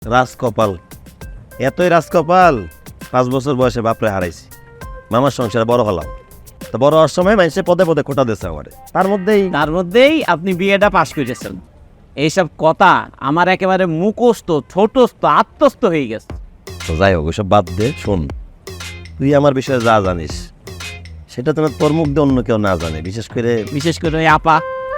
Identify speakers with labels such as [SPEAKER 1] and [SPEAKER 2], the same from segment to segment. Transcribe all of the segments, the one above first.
[SPEAKER 1] রাজকপাল, এতই রাজকপাল 5 বছর বয়সে বাপরে হারাইছি, মামার সংসারে বড় হলাম। তো বড় হওয়ার সময় মানুষে পদে পদে খোটা দিয়েছে আমারে, তার মধ্যেই
[SPEAKER 2] আপনি বিয়েটা পাশ করেছেন। এইসব কথা আমার একেবারে মুখস্থ, ছোটস্থ, আত্মস্থ হয়ে গেছে।
[SPEAKER 1] তো যাই হোক, ওইসব বাদ দে। শোন, তুই আমার বিষয়ে যা জানিস সেটা তোমার তোর মুখ দিয়ে অন্য কেউ না জানে,
[SPEAKER 2] বিশেষ করে ওই আপা।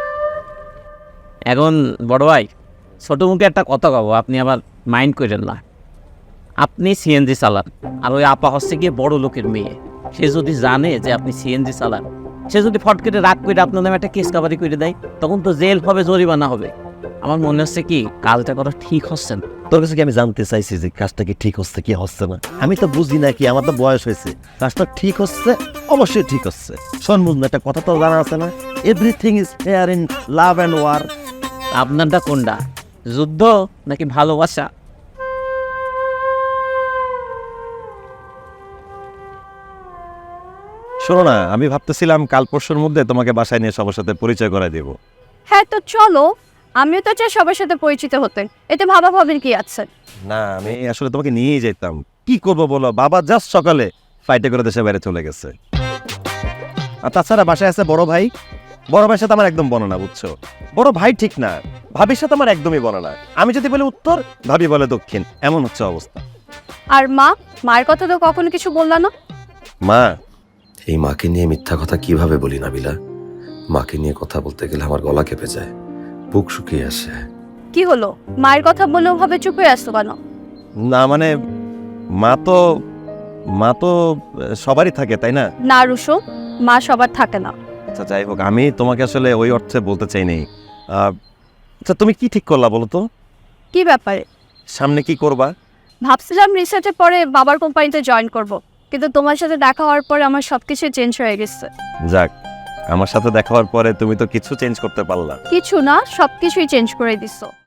[SPEAKER 2] এখন বড় ভাই, ছোট মুখে একটা কথা কব, আপনি আবার মাইন্ড করেন না। আপনি সিএনজি চালান, আর ওই আপা হচ্ছে গিয়ে বড় লোকের মেয়ে। সে যদি জানে যে আপনি সিএনজি চালান, সে যদি ফট করে রাগ করে আপনার নামে একটা কেস কাবারি করে দেয়, তখন তো জেল হবে, জরিমানা হবে। আমার মনে হচ্ছে কি কাজটা করা ঠিক হচ্ছে না।
[SPEAKER 1] তোর কাছে কি আমি জানতে চাইছি যে কাজটা কি ঠিক হচ্ছে কি হচ্ছে না? আমি তো বুঝি না, কি আমার তো বয়স হয়েছে, কাজটা ঠিক হচ্ছে, অবশ্যই ঠিক হচ্ছে। শোন বুঝনা, একটা কথা তো জানা আছে না, everything is fair in love and war.
[SPEAKER 2] আপনারটা কোনটা, যুদ্ধ নাকি ভালোবাসা?
[SPEAKER 1] শোনো না, আমি ভাবতেছিলাম কাল পরশুর মধ্যে তোমাকে বাসায় নিয়ে সবার সাথে পরিচয় করাই দেব।
[SPEAKER 3] হ্যাঁ তো চলো, আমিও তো চাই সবার সাথে পরিচিত হতে, এতে ভাবা ভাবির কি আছে?
[SPEAKER 1] না, আমি আসলে তোমাকে নিয়েই যেতাম, কি করবো বলো, বাবা জাস্ট সকালে ফ্লাইটে করে দেশে বাইরে চলে গেছে। আর তাছাড়া বাসায় আছে বড় ভাই, বড় ভাইয়ের সাথে আমার একদম বনে না, বুঝছো? বড় ভাই ঠিক না, ভাবির সাথে আমার একদমই বনে না। আমি যদি বলি উত্তর, ভাবি বলে দক্ষিণ, এমন হচ্ছে অবস্থা।
[SPEAKER 3] আর মায়ের কথা তো কখনো কিছু বললা না।
[SPEAKER 1] মা,
[SPEAKER 4] এই মাকে নিয়ে মিথ্যা কথা কিভাবে বলি নাবিলা? মাকে নিয়ে কথা বলতে গেলে আমার গলা কেঁপে যায়, বুক শুকিয়ে আসে।
[SPEAKER 3] কি হলো, মায়ের কথা বললেও ভাবে চুপ হয়ে আসতো কেন?
[SPEAKER 1] না মানে মা তো সবারই থাকে, তাই না?
[SPEAKER 3] না রুশো, মা সবার থাকে না।
[SPEAKER 1] আচ্ছা যাই হোক, আমি তোমাকে আসলে ওই অর্থে বলতে চাইনি। আচ্ছা তুমি কি ঠিক করলা বলো তো?
[SPEAKER 3] কি ব্যাপারে?
[SPEAKER 1] সামনে কি করবা?
[SPEAKER 3] ভাবছিলাম রিসার্চের পরে বাবার কোম্পানিতে জয়েন করব, কিন্তু তোমার সাথে দেখা হওয়ার পরে আমার সবকিছু চেঞ্জ হয়ে গেছে।
[SPEAKER 1] যাক, আমার সাথে দেখা হওয়ার পরে তুমি তো কিছু চেঞ্জ করতে পারলা।
[SPEAKER 3] কিছু না, সবকিছুই চেঞ্জ করে দিছো।